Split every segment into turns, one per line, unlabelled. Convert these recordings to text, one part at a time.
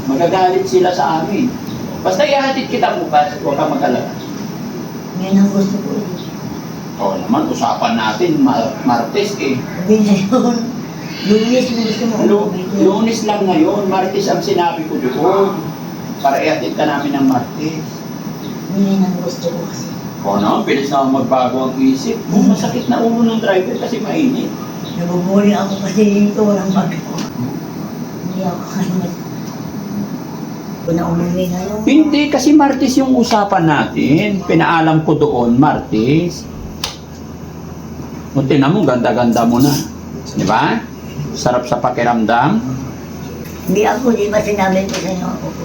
Magagalit sila sa amin. Basta ihatid kita bukas, huwag ka mag-alala.
Yan ang gusto ko.
Oo naman, usapan natin, Martes eh.
Hindi na yun. Lunes na gusto mo.
Lunes lang ngayon, Martes ang sinabi ko doon. Para ihatid ka namin ng Martes.
Yan ang gusto ko kasi.
Oo naman, pilis na magbago ang isip. Masakit na ulo ng driver kasi mainit.
Nabubuli ako kasi dito, walang bago. Hindi ako kaya. Kung na umuwi ngayon.
Hindi, kasi Martes yung usapan natin. Pinaalam ko doon, Martes. Munti na mo, ganda-ganda mo na. Di ba? Sarap sa pakiramdam.
Hindi ako, di ba sinabi ko sa'yo?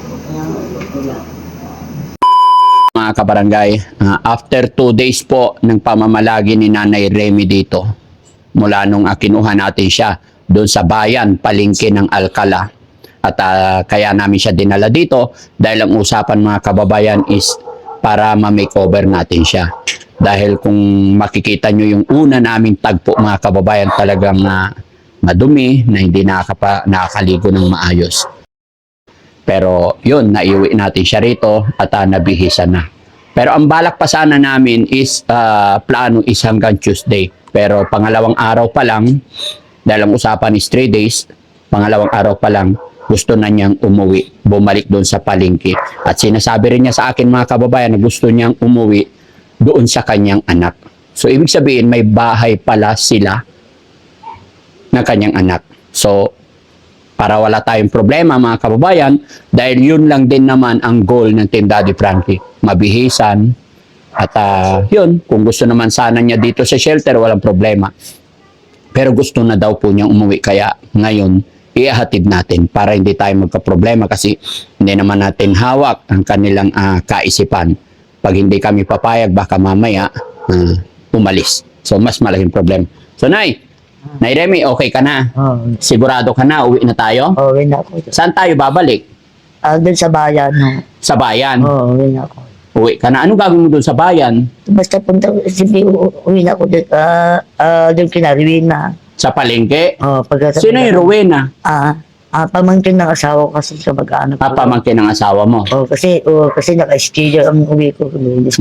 Mga kabarangay, after 2 days po ng pamamalagi ni Nanay Remy dito, mula nung kinuha natin siya doon sa bayan, palengke ng Alcala. At kaya namin siya dinala dito dahil ang usapan mga kababayan is para ma-makeover natin siya. Dahil kung makikita nyo yung una naming tagpo mga kababayan, talagang madumi na hindi nakakaligo ng maayos. Pero yun, naiuwi natin siya rito at nabihisan na. Pero ang balak pa sana namin is plano is hanggang Tuesday. Pero pangalawang araw pa lang, dahil ang usapan is 3 days, pangalawang araw pa lang, gusto na niyang umuwi, bumalik doon sa palengke. At sinasabi rin niya sa akin mga kababayan na gusto niyang umuwi doon sa kanyang anak. So ibig sabihin may bahay pala sila ng kanyang anak. So para wala tayong problema mga kababayan, dahil yun lang din naman ang goal ng Team Daddy Frankie, mabihisan. At yun, kung gusto naman sana niya dito sa shelter, walang problema. Pero gusto na daw po niyang umuwi, kaya ngayon ihahatid natin para hindi tayo magka-problema kasi hindi naman natin hawak ang kanilang kaisipan. Pag hindi kami papayag, baka mamaya umalis. So, mas malaking problema. So, Nay Remy, okay ka na?
Oo.
Sigurado ka na? Uwi na tayo?
Uwi na ako.
Saan tayo babalik?
Doon sa bayan. No?
Sa bayan?
Oo, uwi na ako.
Uwi ka na. Anong gagawin mo doon sa bayan?
Basta punta, sige, uwi na ako doon. Doon kina Rowena.
Sa palengke?
Pagkatapos.
Sino yung Rowena?
Pamangkin ng asawa ko kasi sa mag-anak ko.
Pamangkin ng asawa mo?
Kasi naka-schedule ang uwi ko.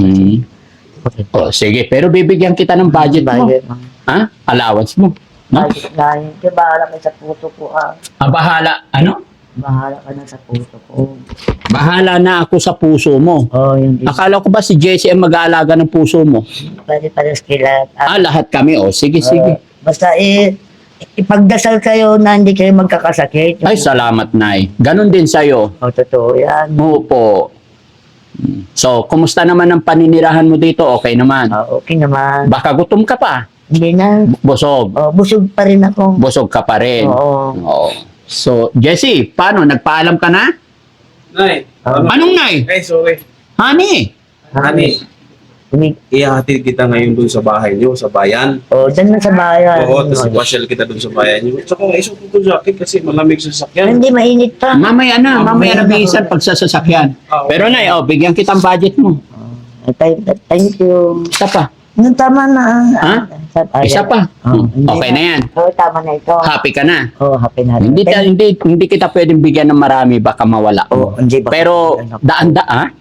Sige, pero bibigyan kita ng budget mo. Ha? Allowance mo. No?
Kaya bahala ka sa puso ko.
Bahala. Ano?
Bahala ka na sa puso ko.
Bahala na ako sa puso mo.
Yung
Akala ko ba si Jessie ang mag-aalaga ng puso mo?
pwede pa rin sila.
Lahat kami. Sige, sige.
Basta ipagdasal kayo na hindi kayo magkakasakit.
Ay, salamat, Nay. Ganon din sa'yo.
Totoo yan.
Opo. So, kumusta naman ang paninirahan mo dito? Okay naman.
Okay naman.
Baka gutom ka pa.
Hindi na.
Busog.
Busog pa rin ako.
Busog ka pa rin.
Oo.
So, Jessie, paano? Nagpaalam ka na?
Nay.
Anong Nay?
Ay, sorry.
Honey?
Honey, ihahatid kita ngayon dun sa bahay niyo, sa bayan.
Dyan na sa bayan.
Oo, tapos ipasyal kita dun sa bayan niyo. Tsaka isuot ko sa jacket kasi malamig sa sasakyan.
Hindi, mainit pa.
Mamaya na bihisan pag sa sasakyan. Pero Nay, bigyan kitang budget mo.
Thank you.
Isa pa.
Tama na.
Ha? Isa pa. Okay na yan.
Tama na ito.
Happy ka na.
Happy na.
Hindi kita pwedeng bigyan ng marami, baka mawala.
Hindi ba?
Pero daan-daan.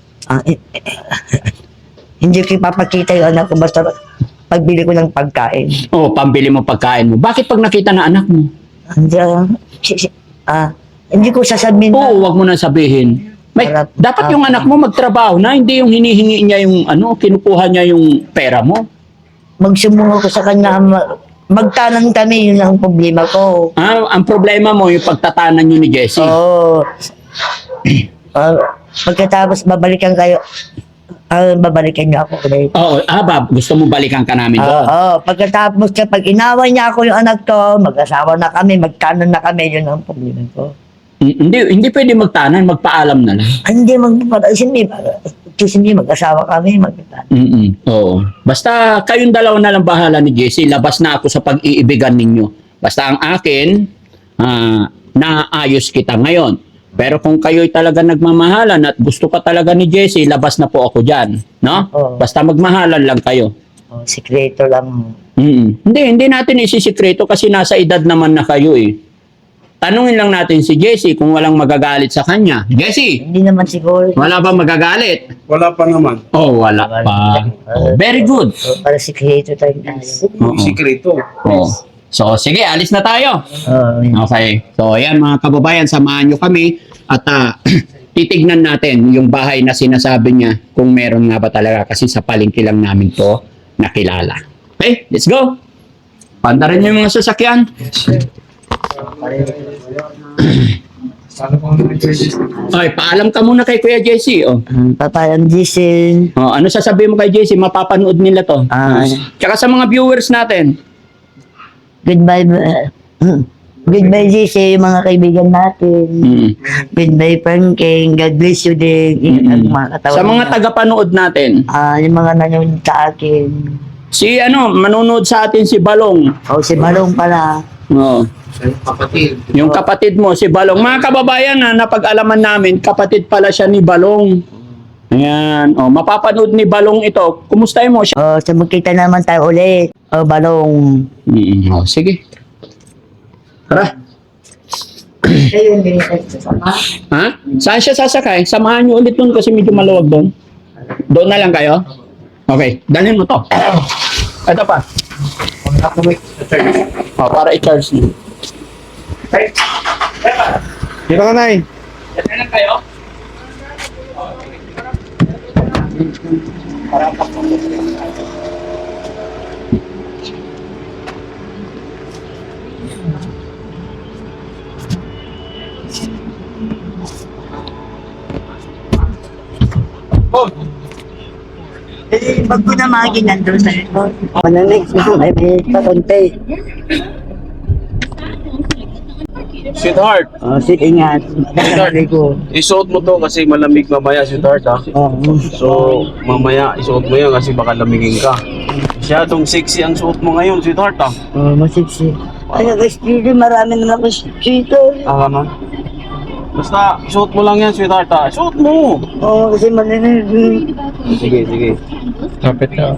Hindi ko ipapakita yung anak ko basta pagbili ko ng pagkain.
Pambili mo pagkain mo. Bakit pag nakita na anak mo?
Hindi ko sasabihin
Wag mo na sabihin. Dapat yung anak mo magtrabaho na, hindi yung hinihingi niya yung kinukuha niya yung pera mo.
Magsumungo ko sa kanya, magtanan kami, yun ang problema ko.
Ang problema mo yung pagtatanan niyo ni Jessie.
Pagkatapos babalikan kayo, babalikan niyo ako ulit.
Gusto mo balikan ka namin doon?
Pagkatapos kapag inaway niya ako yung anak ko, mag-asawa na kami, magtanan na kami, yun ang problema ko.
Hindi pwede magtanan, magpaalam na lang.
Hindi, mag-asawa kami, magtanan.
Oo. Basta kayong dalawa na lang bahala ni Jessie, labas na ako sa pag-iibigan ninyo. Basta ang akin, naayos kita ngayon. Pero kung kayo'y talaga nagmamahalan at gusto ka talaga ni Jessie, labas na po ako dyan. No? Basta magmahalan lang kayo.
Sikreto lang.
Hindi natin isisikreto kasi nasa edad naman na kayo eh. Tanungin lang natin si Jessie kung walang magagalit sa kanya. Jessie,
Hindi naman siguro.
wala ba magagalit?
Wala pa naman.
Oh, wala pa. Oh, very good.
Para sikreto tayo tayo.
Oo.
Sikreto.
Oh. So, sige, alis na tayo.
Oo.
Okay. So, ayan mga kababayan, samahan nyo kami at titignan natin yung bahay na sinasabi niya kung meron nga ba talaga kasi sa palengke lang namin to nakilala. Okay, let's go. Pandarin niyo yung mga sasakyan. Ay, paalam ka muna kay Kuya Jesse. Oh.
Papayang Jason.
Oh, ano sasabihin mo kay Jesse? Mapapanood nila to. Tsaka sa mga viewers natin.
Goodbye. Goodbye, Jason, yung mga kaibigan natin.
Mm.
Goodbye, Franking. God bless you din. Ingat mga katawan.
Sa mga tagapanood natin.
Yung mga nanonood sa akin.
Si manonood sa atin si Balong.
Si Balong pala.
Oh.
Kapatid.
Yung kapatid mo, si Balong. Mga kababayan na napag-alaman namin, kapatid pala siya ni Balong. Ayan. Oh, mapapanood ni Balong ito. Kumustahin mo siya?
So magkita naman tayo ulit. Balong.
Oh, sige. Tara.
Ayun, binigay
Ha? Saan siya sasakay? Samahan niyo ulit doon kasi medyo maluwag doon. Doon na lang kayo? Okay. Dalhin mo to. Ito pa. Oh, para i-charge niyo. Okay.
Dito ka, Nay.
Diyan na lang kayo.
Pag ko na maging nandun sa likod. Next mo, ay may patunti.
Sweetheart,
Sit, ingat. Nagkakali ko.
isuot mo to kasi malamig mamaya, sweetheart, ha? So, mamaya isuot mo yan kasi baka lamigin ka. Masyadong sexy ang suot mo ngayon, sweetheart, ha?
Masiksi. Ay, nag-speedy, marami naman ako dito.
Naman. Basta, isuot mo lang yan, sweetheart, ha? Isuot mo!
Kasi maninig.
Sige, sige.
Kapit ka.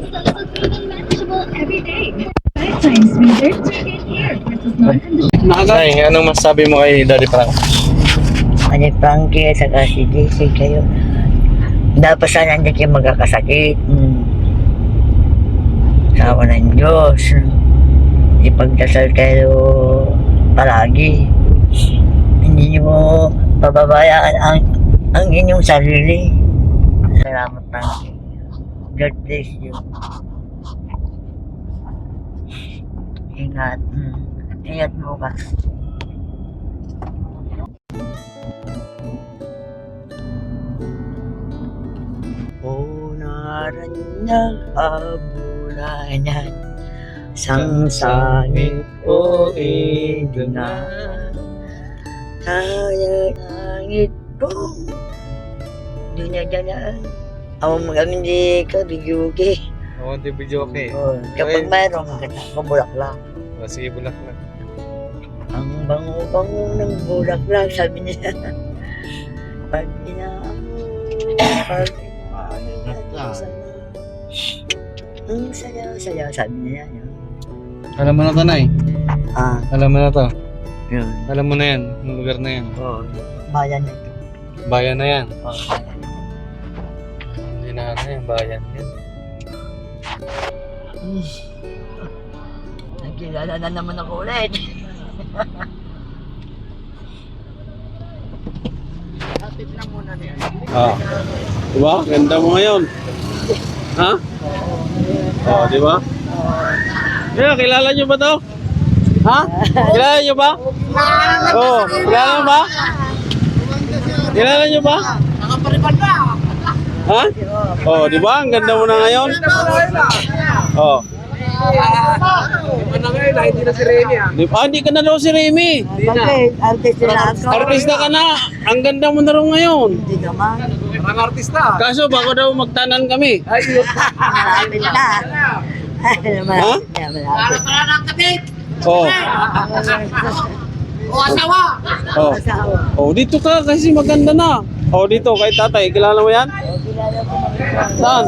Nay, anong masabi mo kay Daddy Frank?
Ano, Frankie, at saka si JC kayo. Dapat sana hindi kayo magkakasakit. Sawa ng Diyos. Ipagdasal kayo palagi. Hindi nyo pababayaan ang inyong sarili. Salamat, Frankie. God bless you. Ingat. Ingat bukas. Unaran ng habulanan, sangsangit ko idungan. Kaya langit ko, dinadaan. Ako magamin di ka, bigyogi.
Oo, di video okay.
Kapag mayroong maganda ko, bulaklak.
Sige, bulak lang.
Ang bango-bango ng bulaklak, sabi niya. Pag inaamoy, pag inaamoy, ang saya-saya, sabi niya.
Alam mo na to, Nay. Alam mo na to.
Yun.
Alam mo na yan, yung lugar na yan.
Bayan na ito.
Bayan na yan. Hindi na yan, bayan yan.
Nagkilala na naman ako ulit.
Diba? Ganda mo ngayon. Ha? Diba? Yeah, kilala nyo ba to? Ha? Kilala nyo ba? Kilala nyo ba? Kilala nyo ba? Ha? Di ba? Ang ganda mo na ngayon. Hindi ka na daw si Remy.
Bakit? Artist na ako.
Artista ka na. Ang ganda mo na rin ngayon.
Hindi naman.
Kaso bago daw magtanan kami.
Malapit na. Malapit na, malapit.
Asawa.
Asawa.
Dito ka kasi maganda na. Dito kay tatay. Kilala mo yan? Saan?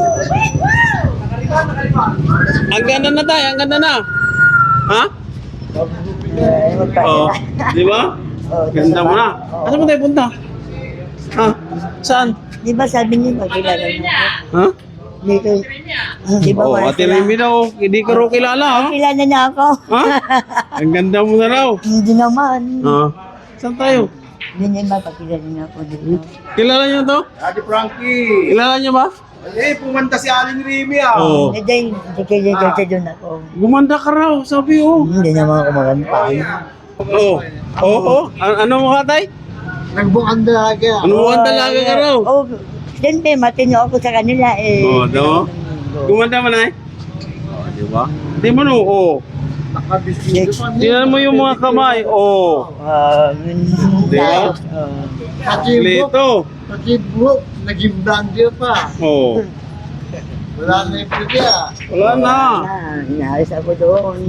Ang ganda na tayo. Ang ganda na. Ha? Oh, di ba? Ganda mo na. Ano mo tayo punta? Ha? Saan?
Di ba sabi niyo, magkilala niyo ako?
Ha?
Dito, di ba
Oh,
wala
Ate
sila?
Remy daw, hindi ko raw kilala, ha?
Kilala niya ako.
Ha? Ang ganda mo na raw.
Hindi naman.
Saan tayo?
Hindi niya mapakilala niya ako dito.
Kilala niyo to?
Ate Frankie.
Kilala niyo ba?
Pumanta si Aling Remy
Oo.
Hindi, hindi kayo kasi doon ako.
Gumanda ka raw, sabi oh.
Hindi naman ako maganda.
Oo. Oo. Ano mo ka, tay?
Nagbukang dalaga.
Ano mo ang dalaga ka raw?
Oh, siyempre, matino ako sa kanila eh.
Oo, daw. Gumanda mo na eh. Di ba? Di mo no, oo.
Nakabisito pa.
Tingnan mo yung mga kamay, oo. Di ba? Lito.
Pati buhok, naging blonder pa.
Oo.
Wala na yung pwedya.
Wala na.
Inaalis ako doon.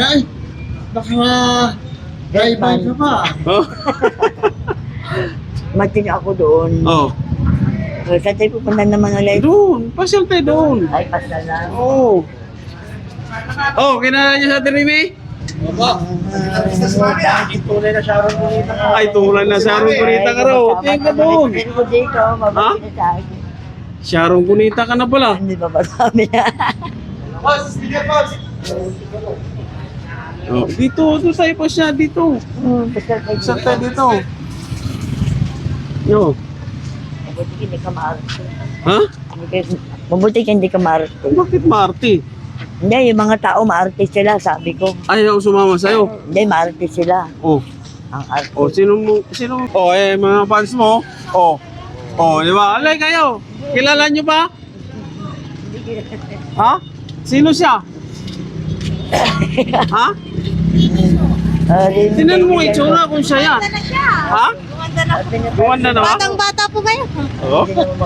Drive-by ka pa.
Oh.
Matino ako doon.
Oh.
Sa tayo pupunta naman ulit.
Doon. Pasyal tayo doon.
Ay, pasal lang.
Oo. Oh, kinala niyo sa Ate Remy?
Tunay na Sharon Bonita ka.
Ay, tulad na Sharon Cunita ka raw. Tingnan ka doon.
Pero ko dito, mabalik na sa akin.
Sharon Cunita ka na pala.
Hindi ba sabi na?
Boss, speaker boss.
Oh, dito, doon tayo pa siya, dito.
Pasal kayo.
Saan tayo dito? Yo.
Mabuti ka hindi ka maarte.
Ha?
Mabuti ka hindi ka maarte.
Bakit Marty?
Hindi, yung mga tao maarte sila, sabi ko.
Ayaw sumama sa'yo.
Hindi, maarte sila.
Oh.
Ang arte.
Oh, sino? Oh, mga fans mo. Oh. Oh, di ba? Alay kayo. Kilala niyo ba? Ha? Sino siya? Ha? Tinan mo itsura kung siya yan. Ha? Gumanda na ba?
Batang-bata po kayo.
Oo.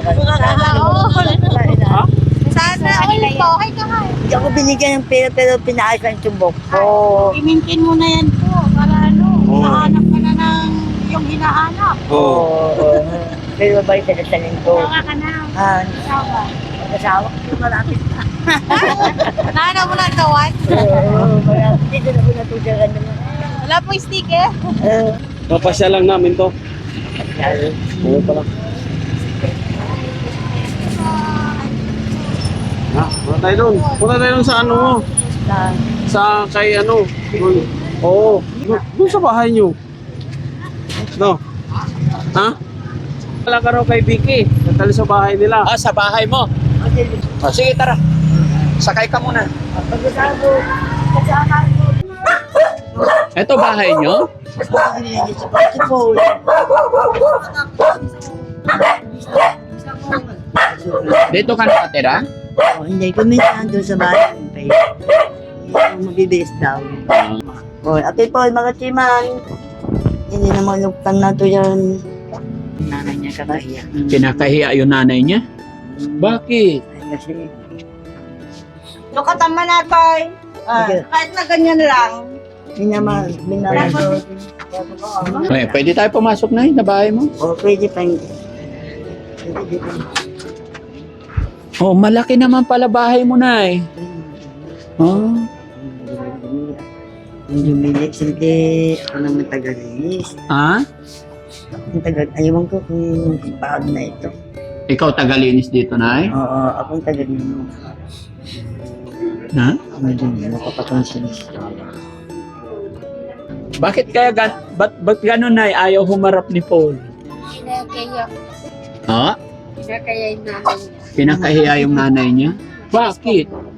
Ha?
Sana all po. Ay, kahay.
Hindi ako binigyan ng pera pero pinaayos ang tumbok ko.
I-maintain mo na yan po. Para ano,
Oo.
hinahanap ka na ng yung hinahanap.
Oo.
Pero babae sa nasanin ko.
Tawa ka na. Tawa.
Mag-asawa ko malapit na.
Nahanap mo na ang kawan?
Malapit. Dito na ko natutugan naman.
Wala po yung sticker.
Papasya lang namin to. Oo pala. Ha? Punta tayo doon. Punta tayo doon sa ano mo. Sa kay ano. Doon. Oo. Doon sa bahay nyo. No. Ha? Wala ka raw kay Vicky. Natali sa bahay nila.
Ah, sa bahay mo. Oh, sige, tara. Sakay ka muna. Ito bahay nyo? Dito ka nakatira?
Hindi ko minsan doon sa bahay. Hindi ako mabibis daw. Ate po, mga timan. Hindi naman luktan na to yan. Nanay niya kakahiya.
Kinakahiya yung nanay niya? Bakit?
Ay, kasi
Lukatan na tayo. Kahit na ganyan lang.
binamay.
Eh, pwede tayo pumasok na sa bahay mo?
O, pwede pa yung...
Oh, malaki naman pala bahay mo na eh. Oh.
Hindi lumilis, hindi ako naman tagalinis.
Ha?
Akong ayawan ko kung paad na ito.
Ikaw tagalinis dito, Nay?
Oo, akong tagalinis.
Ha?
Hindi, nakapatransilis.
Bakit kaya ba't gano'n, Nay? Ayaw humarap ni Paul?
Kinakaya.
Ha?
Kinakaya yung nanay niya.
Pinakahiya yung nanay niya? Bakit?